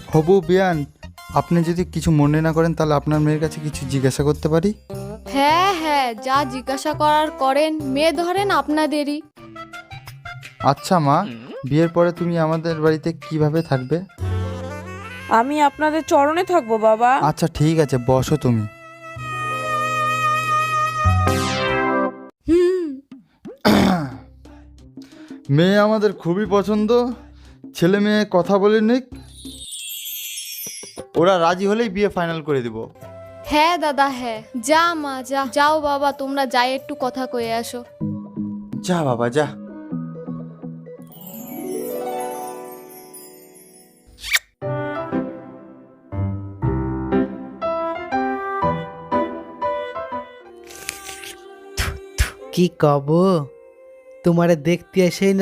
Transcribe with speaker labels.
Speaker 1: হবু বিয়ান, আপনি যদি কিছু মনে না করেন তাহলে আপনার মেয়ের কাছে কিছু জিজ্ঞাসা করতে পারি?
Speaker 2: হ্যাঁ হ্যাঁ, যা জিজ্ঞাসা করার করেন, মেয়ে ধরেন আপনাদেরই।
Speaker 1: আচ্ছা মা, বিয়ের পরে তুমি আমাদের বাড়িতে কিভাবে থাকবে?
Speaker 3: আমি আপনাদের চরণে থাকবো বাবা।
Speaker 1: আচ্ছা ঠিক আছে, বসো তুমি।
Speaker 2: হুম।
Speaker 1: মেয়ে আমাদের খুবই পছন্দ, ছেলে মেয়ে কথা বলে নিক, ওরা রাজি হলেই বিয়ে ফাইনাল করে দিব।
Speaker 2: হ্যাঁ দাদা হ্যাঁ, যা মা যা, যাও বাবা তোমরা যাই একটু কথা কয়ে আসো।
Speaker 1: যা বাবা যা।
Speaker 4: কি কব, তোমারে দেখতে এসেই